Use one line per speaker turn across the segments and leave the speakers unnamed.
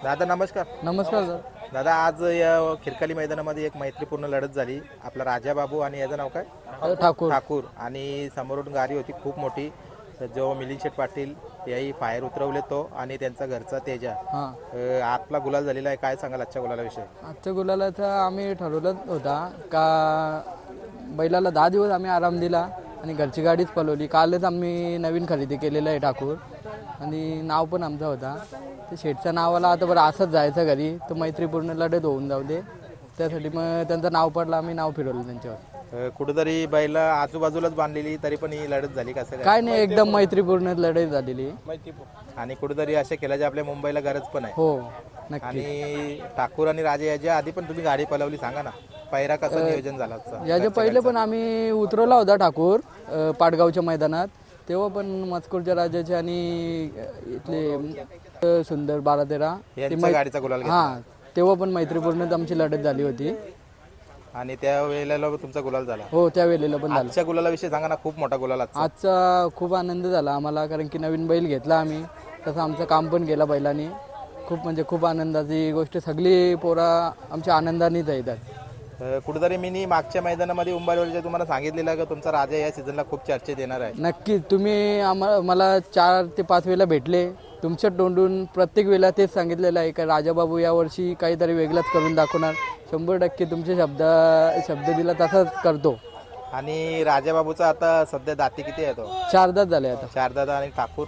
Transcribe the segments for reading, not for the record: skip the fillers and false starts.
दादा नमस्कार.
नमस्कार सर.
दादा आज या खिरकाली मैदानामध्ये एक मैत्रीपूर्ण लढत झाली. आपला राजा बाबू आणि याचं नाव काय?
ठाकूर.
ठाकूर. आणि समोरून गाडी होती खूप मोठी. जो मिलिंद शेठ पाटील याही फायर उतरवले तो आणि त्यांचा घरचा तेजा. आतला गुलाल झालेला आहे. काय सांगाल आजच्या गुलालाविषयी?
आजच्या गुलालाचं आम्ही ठरवलं होता का बैलाला 10 दिवस आम्ही आराम दिला आणि घरची गाडीच पळवली. कालच आम्ही नवीन खरेदी केलेलं आहे ठाकूर आणि नाव पण आमचा होता. ते शेठच्या नावाला आता बरं असंच जायचं घरी तर मैत्रीपूर्ण लढत होऊन जाऊ दे त्यासाठी मग त्यांचं नाव पडलं. आम्ही नाव फिरवलं त्यांच्यावर.
कुठेतरी बैला आजूबाजूलाच बांधलेली तरी पण ही लढत झाली कसं
काय नाही एकदम मैत्रीपूर्ण लढत झालेली.
आणि कुठेतरी अशा खेळाची आपल्या मुंबईला गरज पण आहे.
हो नक्की.
आणि ठाकूर आणि राजे याच्या आधी पण तुम्ही गाडी पळवली, सांगा ना पैरा कसं नियोजन झालं?
याच्या पहिले पण आम्ही उतरवला होता ठाकूर पाटगावच्या मैदानात. तेव्हा पण मजकूरच्या राजाचे आणि इथले सुंदर 12-13
गाडीचा गुलाल
हां तेव्हा पण मैत्रीपूर्ण आमची लढत झाली होती
आणि त्या वेळेला तुमचा गुलाल झाला.
हो त्या वेळेला पण झाला.
आजच्या गुलालाविषयी सांगा ना. खूप मोठा गुलाल
आजचा खूप आनंद झाला आम्हाला कारण की नवीन बैल घेतला आम्ही. तसं आमचं काम पण केलं बैलांनी. खूप म्हणजे खूप आनंदाची गोष्ट. सगळी पोरा आमच्या आनंदानेच येतात.
कुठेतरी मी मागच्या मैदानामध्ये उंबारवरच्या तुम्हाला सांगितलेलं का तुमचा राजा या सीझनला खूप चर्चेत येणार आहे.
नक्कीच. तुम्ही मला 4 ते 5 वेळेला भेटले. तुमच्या तोंडून प्रत्येक वेळेला तेच सांगितलेलं आहे का राजाबाबू यावर्षी काहीतरी वेगळंच करून दाखवणार. 100% तुमचे शब्द दिला तसाच करतो.
आणि राजाबाबूचा आता सध्या दाती किती आहे? तो
4 दात झाले आता.
4 दात. आणि ठाकूर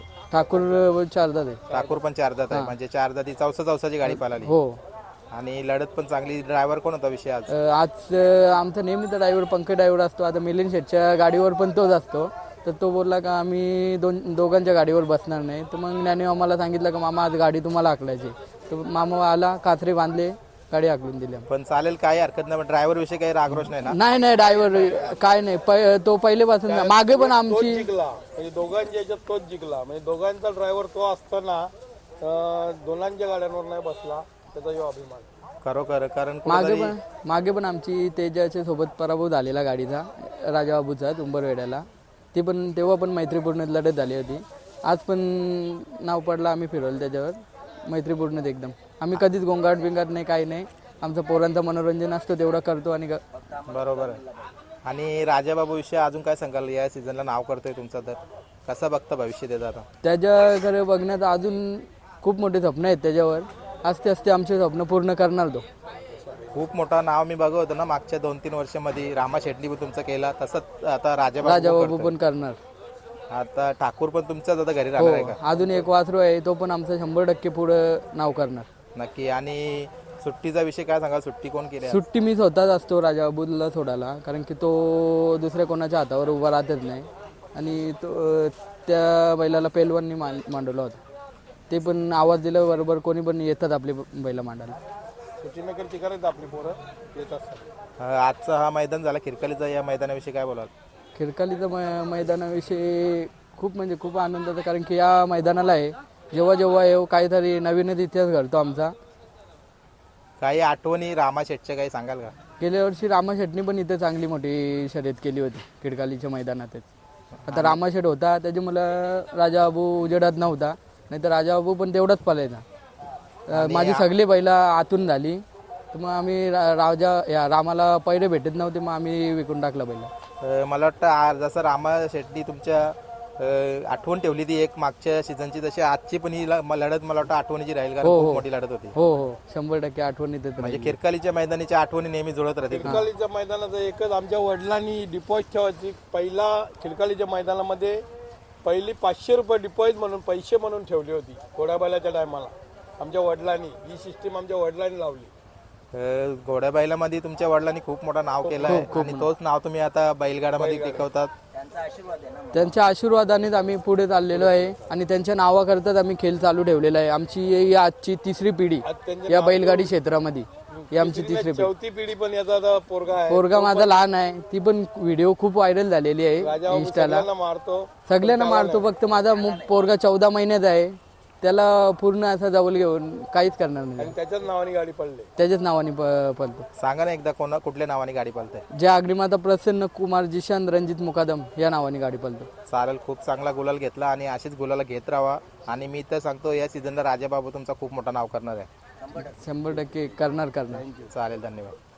4 दात आहे.
ठाकूर पण 4 दात आहे. म्हणजे 4 दाती चौसाची गाडी पळाली.
हो.
आणि लढत पण चांगली. ड्रायव्हर कोण होता विषय आज?
आज आमचा नेहमीचा ड्रायव्हर पंकज ड्रायव्हर असतो. आता मिलिंद शेठच्या गाडीवर पण तोच असतो. तर तो बोलला का आम्ही दोघांच्या गाडीवर बसणार नाही. तर मग त्याने आम्हाला सांगितलं का मामा आज गाडी तुम्हाला हाकलायची. तर मामा आला, कात्रे बांधले, गाडी हाकलून दिली.
पण चालेल, काही हरकत नाही. ड्रायव्हर विषयी काही रागरोष नाही ना?
नाही ड्रायव्हर काय नाही. तो पहिलेपासून मागे पण आमची
म्हणजे दोघांच्या याच्यात तोच जिंकला. म्हणजे दोघांचा ड्रायव्हर तो असताना दोघांच्या गाड्यांवर नाही बसला त्याचा जो अभिमान
खरोखर. कारण
मागे पण आमची तेजाच्या सोबत पराभव झालेला गाडीचा राजाबाबूचा तुंबरवेड्याला. तेव्हा पण मैत्रीपूर्ण लढत झाली होती. आज पण नाव पडलं. आम्ही फिरवलं त्याच्यावर मैत्रीपूर्ण एकदम. आम्ही कधीच गोंगाट बिंगाट नाही, काही नाही. आमचं पोरांचं मनोरंजन असतं तेवढं करतो. आणि
बरोबर आहे. आणि राजाबाबू विषयी अजून काय सांगाल? या सीझनला नाव करतोय तुमचं, तर कसं बघतं भविष्य त्याचं आता?
त्याच्याकडे बघण्यात अजून खूप मोठे स्वप्न आहेत त्याच्यावर. आस्ते आमचे स्वप्न पूर्ण करणार तो.
खूप मोठा नाव मी बघत होतो ना मागच्या 2-3 वर्षामध्ये. रामा शेट्टी पण तुमचं केला तसंच आता
राजाबाबू पण करणार.
आता ठाकूर पण तुमच्याच आता घरी राहणार आहे का?
अजून एक वासरू आहे तो पण आमचं 100% पुढं नाव करणार.
नक्की. आणि सुट्टीचा विषय काय सांगाल? सुट्टी कोण केली?
सुट्टी मी स्वतःच असतो राजाबाबूला सोडायला. कारण की तो दुसऱ्या कोणाच्या हातावर उभा राहतच नाही. आणि तो त्या बैलाला पेलवांनी मांडवला होता. ते पण आवाज दिल्याबरोबर कोणी पण येतात आपली बैला मांडायला.
आपली पोरं येत असतात.
आजचा हा मैदान झाला खिरकालीचा. या मैदानाविषयी काय बोलाल?
खिरकालीचा मैदानाविषयी खूप म्हणजे खूप आनंदाचं. कारण की या मैदानाला आहे जेव्हा काहीतरी नवीनच इतिहास घडतो आमचा.
काही आठवणी रामा शेटच्या काही सांगाल का?
गेल्या वर्षी रामा शेटनी पण इथे चांगली मोठी शर्यत केली होती खिडकालीच्या मैदानातच. आता रामा शेट होता त्याच्यामुळं राजाबाबू उजेडात नव्हता. नाही तर राजाबाबू पण तेवढाच पालायचा. माझी सगळी बैला आतून झाली. तर मग आम्ही रामाला पहिले भेटत नव्हते. मग आम्ही विकून टाकला बैला.
मला वाटतं जसं रामा शेट्टी तुमच्या आठवण ठेवली ती एक मागच्या सीझनची, तशी आजची पण ही लढत मला वाटतं आठवणीची राहील. कारण खूप मोठी लढत होती.
हो 100% आठवणी.
म्हणजे खिरकालीच्या मैदानाच्या आठवणी नेहमी जुळत राहतील.
खिरकालीच्या मैदानाचं एकच आमच्या वडिलांनी डिपॉझिट ठेवायची. पहिला खिरकालीच्या मैदानामध्ये पहिली 500 रुपये डिपॉझिट म्हणून पैसे म्हणून ठेवली होती घोड्याबायलाच्या टायमाला. आमच्या वडिलांनी ही सिस्टीम आमच्या वडिलांनी लावली.
घोड्याबायलामध्ये तुमच्या वडिलांनी खूप मोठं नाव केलं आहे आणि तोच नाव तुम्ही आता बैलगाडामध्ये टिकवतात.
त्यांच्या आशीर्वादानेच आम्ही पुढे चाललेलो आहे आणि त्यांच्या नावाकरताच आम्ही खेळ चालू ठेवलेला आहे. आमची आजची 3री पिढी या बैलगाडी क्षेत्रामध्ये. ही आमची 3री
चौथी पिढी पण याचा
पोरगा माझा लहान आहे. ती पण व्हिडिओ खूप व्हायरल झालेली आहे इंस्टाला. सगळ्यांना मारतो. फक्त माझा पोरगा 14 महिन्याचा आहे. त्याला पूर्ण असं जवळ घेऊन काहीच करणार नाही.
त्याच्याच नावाने गाडी पळते.
त्याच्याच नावाने पळतो.
सांगा ना एकदा कुठल्या नावाने गाडी पळते?
ज्या अग्निमाता प्रसन्न कुमार जिशान रणजित मुकादम या नावाने गाडी पळतो.
चालेल. खूप चांगला गुलाल घेतला आणि अशीच गुलाला घेत राहा. आणि मी तर सांगतो या सीझनला राजाबाबू तुमचा खूप मोठा नाव करणार आहे.
100% करणार.
चालेल, धन्यवाद.